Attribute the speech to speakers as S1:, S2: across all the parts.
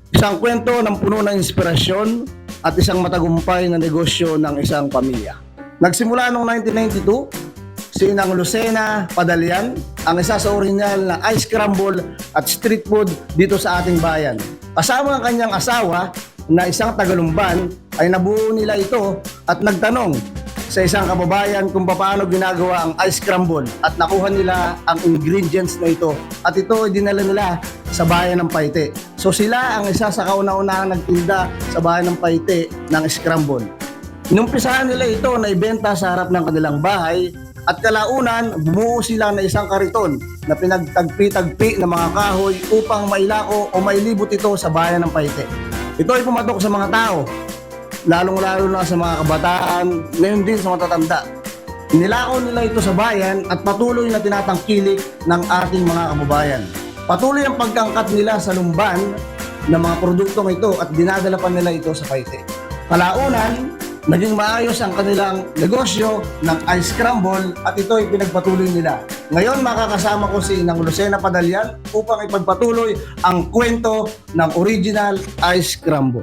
S1: Isang kwento ng puno ng inspirasyon at isang matagumpay na negosyo ng isang pamilya. Nagsimula noong 1992, si Inang Lucena Padalian ang isa sa original na ice crumble at street food dito sa ating bayan. Kasama ang kanyang asawa na isang Tagalumban ay nabuo nila ito at nagtanong sa isang kababayan kung paano ginagawa ang ice crumble at nakuha nila ang ingredients na ito at ito ay dinala nila sa bayan ng Paite. So sila ang isa sa kauna-unahang nagtinda sa bayan ng Paite ng scramble. Inumpisahan nila ito na ibenta sa harap ng kanilang bahay at kalaunan bumuo sila ng isang kariton na pinagtagpi-tagpi ng mga kahoy upang mailako o mailibot ito sa bayan ng Paite. Ito ay pumatok sa mga tao, lalong-lalo na sa mga kabataan, ngayon din sa matatanda. Nilako nila ito sa bayan at patuloy na tinatangkilik ng ating mga kababayan. Patuloy ang pagkangkat nila sa lumban ng mga produktong ito at dinadala pa nila ito sa Paite. Kalaunan, naging maayos ang kanilang negosyo ng ice crumble at ito ay pinagpatuloy nila. Ngayon makakasama ko si Inang Lucena Padalian upang ipagpatuloy ang kwento ng original ice crumble.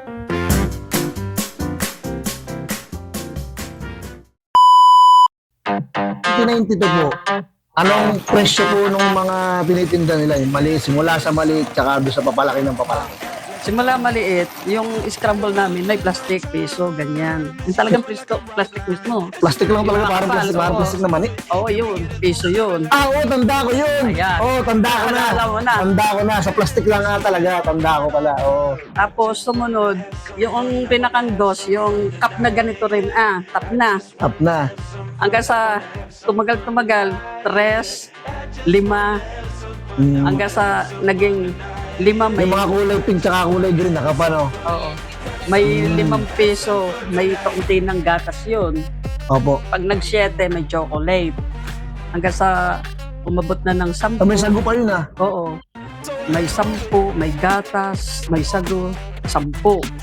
S1: ito po, anong presyo po ng mga tinitinda nila? Yung maliit, simula sa maliit, tsaka doon sa papalaki ng papalaki.
S2: Simula maliit, yung scramble namin may plastic, piso, ganyan. Yung talagang plastic mismo.
S1: Plastic lang talaga,
S2: Yung
S1: parang
S2: makapal,
S1: plastic, parang
S2: oo.
S1: plastic na mani.
S2: Oo, yun. Piso yun.
S1: Oo, tanda ko yun.
S2: Ayan.
S1: Oo, tanda ko na.
S2: Alam mo na.
S1: Tanda ko na. Sa plastic lang nga talaga. Tanda ko pala. Oo.
S2: Tapos sumunod, yung pinakangdos, yung cup na ganito rin, tap na.
S1: Tap na.
S2: Hanggang sa tumagal-tumagal, 3, 5, hanggang sa naging 5 may...
S1: Yung mga kulay pink tsaka kulay green, nakapa no?
S2: Oo. May 5 piso, may kaunti ng gatas yun.
S1: Opo.
S2: Pag nag-7, may chocolate. Hanggang sa umabot na ng 10.
S1: May sago pa yun ah.
S2: Oo. May 10, may gatas, may sago, 10.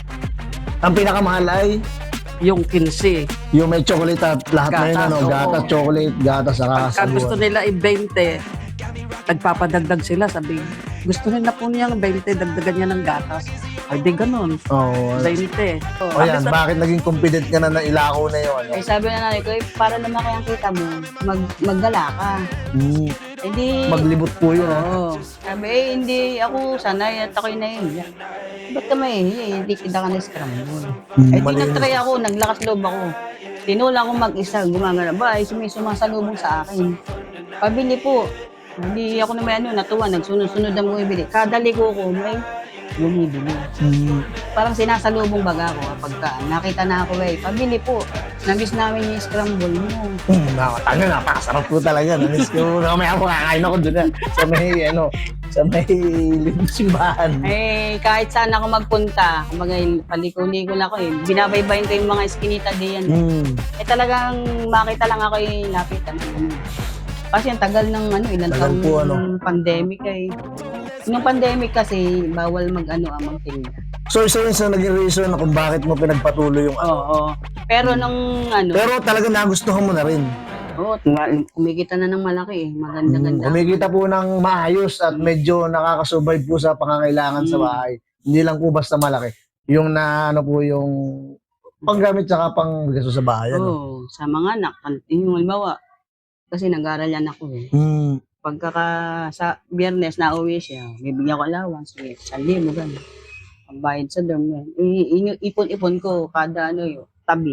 S1: Ang pinakamahal ay
S2: Yung 15.
S1: yung may chocolate at lahat na yun
S2: Gatas,
S1: ano.
S2: oo.
S1: Gatas, chocolate, gatas, saka
S2: Pagka gusto
S1: sago.
S2: nila i-20, nagpapadagdag sila. Sabi, gusto nila po niyang 20, dagdagan niya ng gatas. Ay, di ganun.
S1: Oo.
S2: 20.
S1: O yan, bakit naging confident ka na ilako na yun? Ano?
S3: Eh sabi na nanay ko, para naman kayang kita mo, maggala ka. Hindi,
S1: Maglibot po yun ah.
S3: oo. Sabi, hindi ako sanay at ako'y nahihiya. Ba't ka mahihiya? Hindi kita ka na-scramble. Eh di
S1: malinis.
S3: nag-try ako, naglakas loob ako. Tinula ko mag-isa, gumagana ba? Ay, sumasalubong sa akin. Pabili po. Hindi ako naman natuwa, nagsunod-sunod ang bumibili. Kada liko ko, may bumibili. Parang sinasalubong baga ako pagka nakita na ako pabili po. Nabis namin yung scramble mo.
S1: Nakatanga, napakasarap po talaga. Namiss ko. Mamaya po kakain ako doon sa may, sa may simbahan.
S3: Eh, kahit saan ako magpunta, kumbaga paliko-liko lang ako binabaybayin ko yung mga eskinita diyan. Eh talagang makita lang ako lapitan. Kasi ang tagal ng ilang
S1: Tagal
S3: taon
S1: po,
S3: ng pandemic Nung pandemic kasi, bawal magtinda.
S1: So, isa yun sa naging reason na kung bakit mo pinagpatuloy yung
S3: Oo. Pero nung
S1: Pero talaga nagustuhan mo na rin.
S3: kumikita na ng malaki maganda-ganda.
S1: Kumikita po ng maayos at medyo nakakasurvive po sa pangangailangan sa bahay. Hindi lang po basta malaki. Yung na po yung panggamit tsaka pang gasto sa bahay.
S3: Oo, sa mga anak, yung halimbawa, kasi nag-aaral yan ako Pagkaka sa biyernes na uwi siya, bibigyan ko allowance, 1,000 ganun. Pambayad sa dorm yan. Ipon-ipon ko kada tabi.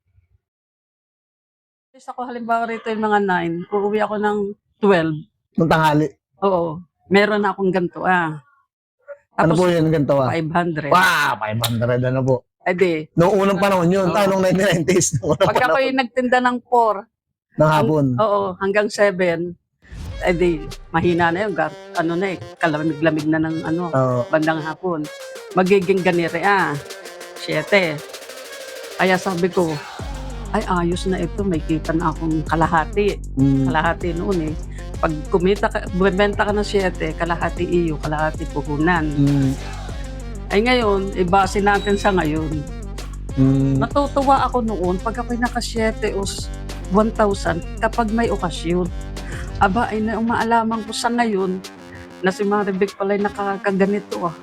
S2: Ako halimbawa rito yung mga 9, uuwi ako ng 12.
S1: Nung tanghali.
S2: Oo. Meron na akong ganito,
S1: Ano
S2: Tapos,
S1: po yun ganito
S2: 500.
S1: Wow, 500 ano po.
S2: Eh di,
S1: Noong unang panahon yun, nung 1990s. Noong unang
S2: pag
S1: panahon
S2: ako'y nagtinda ng 4,
S1: ng hapon.
S2: oo, hanggang 7, eh di, mahina na yun. Kalamig-lamig na ng
S1: Oo.
S2: bandang hapon. Magiging ganire, 7. Kaya sabi ko, ay ayos na ito, may kita na akong kalahati. Kalahati noon Pag bumenta ka ng 7, kalahati iyo, kalahati puhunan. Ay ngayon, ibase natin sa ngayon. Natutuwa ako noon pag ako'y naka-7 o 1,000 kapag may okasyon. Aba, ay maalaman ko sa ngayon na si Maribek pala'y nakakaganito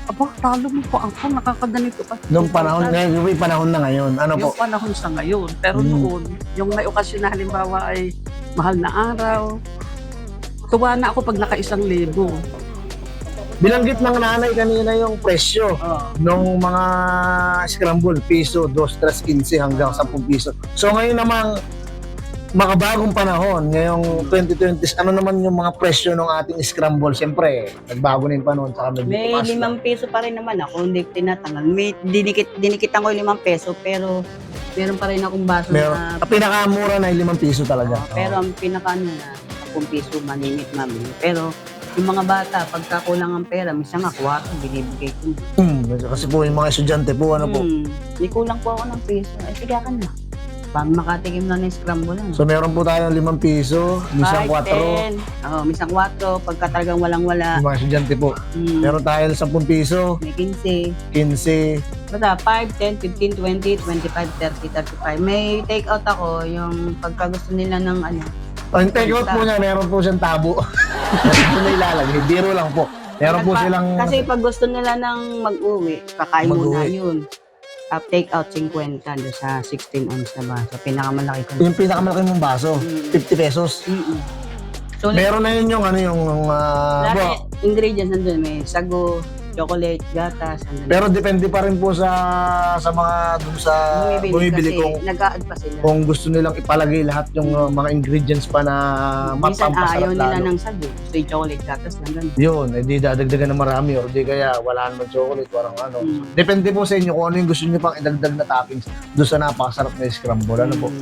S2: aba, talo mo po ako, nakakaganito ka.
S1: Nung panahon, ngayon, yung panahon na ngayon, ano po?
S2: Yung panahon sa ngayon. Pero
S1: Mm.
S2: noon, yung may okasyon na halimbawa ay mahal na araw, tuwa na ako pag naka-1,000.
S1: Binanggit ng nanay kanina yung presyo nung mga scramble, piso, 2, 3, 15 hanggang 10 piso. So ngayon namang makabagong panahon, ngayong 2020, ano naman yung mga presyo ng ating scramble? Siyempre, nagbago na yung panahon, saka medyo
S3: May
S1: tumaas na.
S3: 5 piso pa rin naman ako, hindi ko tinatangan. May dinikitan ko yung 5 peso, pero meron pa rin akong baso
S1: Meron,
S3: na,
S1: ang pinakamura na yung 5 piso talaga.
S3: pero ang pinaka ano na, 10 piso malimit mami. Pero yung mga bata, pagka kulang ang pera, minsan nga, kwarto, binibigay ko.
S1: Kasi po yung mga estudyante po, ano po.
S3: May kulang po ako ng piso. Ay, sige ka na. Para makatikim na ng scramble lang.
S1: So meron po tayong 5 piso, minsan 4,
S3: 10. Oo, minsan 4. Pagka talagang walang-wala.
S1: yung mga estudyante po. Meron tayo 10 piso,
S3: May 15.
S1: 15,
S3: Basta 5, 10, 15, 20, 25, 30, 35. May take out ako yung pagka gusto nila ng ano.
S1: ang take out po niya, meron po siyang tabo. Meron po na ilalagay, biro lang po. Meron po silang,
S3: Kasi pag gusto nila ng mag-uwi, kakain muna
S1: Mag-uwi.
S3: yun. Take out 50 doon sa 16 ounce na baso. Pinakamalaki ko.
S1: yung pinakamalaki mong baso, 50 pesos.
S3: So,
S1: Meron na yun yung ano yung,
S3: lahat ingredients nandun. May sago, chocolate, gatas. Nandun.
S1: pero depende pa rin po sa mga dun sa bumibili
S3: kasi
S1: kung
S3: nag-a-add pa sila.
S1: gusto nilang ipalagay lahat yung mga ingredients pa na
S3: Minsan ayaw
S1: mapampasarap
S3: nila
S1: lalo.
S3: ng sago. Gusto yung chocolate, gatas na ganun.
S1: Yun, di dadagdagan ng marami or di kaya wala naman chocolate, parang ano. Depende po sa inyo kung ano yung gusto niyo pang idagdag na toppings doon sa napakasarap na scramble. Ano po?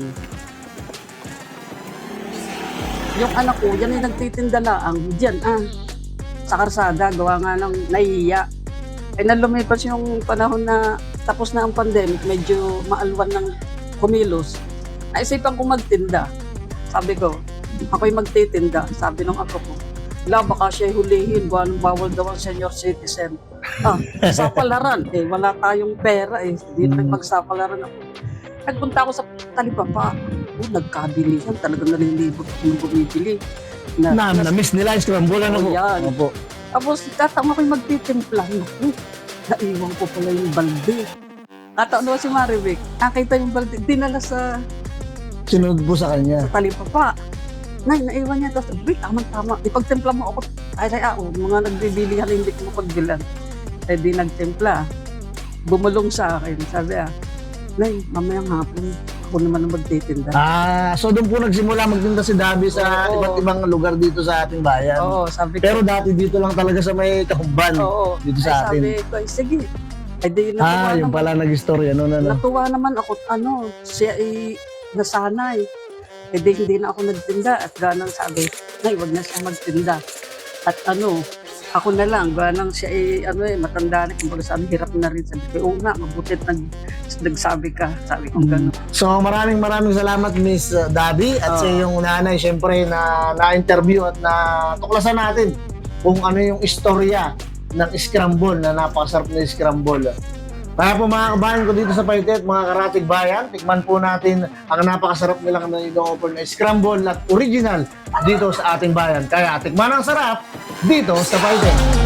S2: Yung anak ko, yan ay nagtitinda laang, dyan sa karsada, gawa nga ng nahihiya. Ay nang lumipas yung panahon na tapos na ang pandemic, medyo maalwan ng kumilos, naisipan ko magtinda. Sabi ko, ako'y magtitinda. Sabi ng ako ko, baka siya'y hulihin, buwan bawal daw ang senior citizen. Sapalaran, wala tayong pera hindi na magsapalaran ako. Nagpunta ako sa Talipapa. Nagkabili yan, talagang nalilibot kung bumibili.
S1: Na-miss nila yung scramble. Ano po?
S2: Yan.
S1: Opo.
S2: Tapos tatama ko'y magtitimpla. Naku, naiwan ko pala yung balde. Kataon si Marivic, nakita yung balde, dinala sa
S1: Sinunod po sa kanya.
S2: Talipapa. Nay, naiwan niya. Tapos, tama-tama. Ipagtimpla mo ako. Ay, mga nagbibili nga hindi ko mapagbilan. Di nagtimpla. Bumulong sa akin. Sabi Nay, mamayang hapon, ako naman ang magtitinda.
S1: So doon po nagsimula magtinda si Dabi sa
S2: Oo.
S1: iba't ibang lugar dito sa ating bayan.
S2: Oo, sabi ko.
S1: Pero dati dito lang talaga sa may Kahumban.
S2: Oo.
S1: Dito sa atin.
S2: Sabi ko, sige. Ay, di natuwa
S1: Yung
S2: naman.
S1: pala nag-istorya noon ano.
S2: Natuwa naman ako, siya ay nasanay. Hindi na ako nagtinda. At ganang sabi, Nay, wag na siya magtinda. At ako na lang, ganang siya ay, matanda na. Kumbaga sabi, hirap na rin. Sabi ko, oo nga, mabutit nagsabi ka. Sabi ko, gano'n.
S1: So maraming salamat Miss Dabi at sa iyong nanay syempre na-interview at natuklasan natin kung ano yung istorya ng scramble na napakasarap na scramble. Kaya po mga kabayan ko dito sa Paitet, mga karatig bayan, tikman po natin ang napakasarap nilang na scramble at original dito sa ating bayan. Kaya tikman ang sarap dito sa Paitet.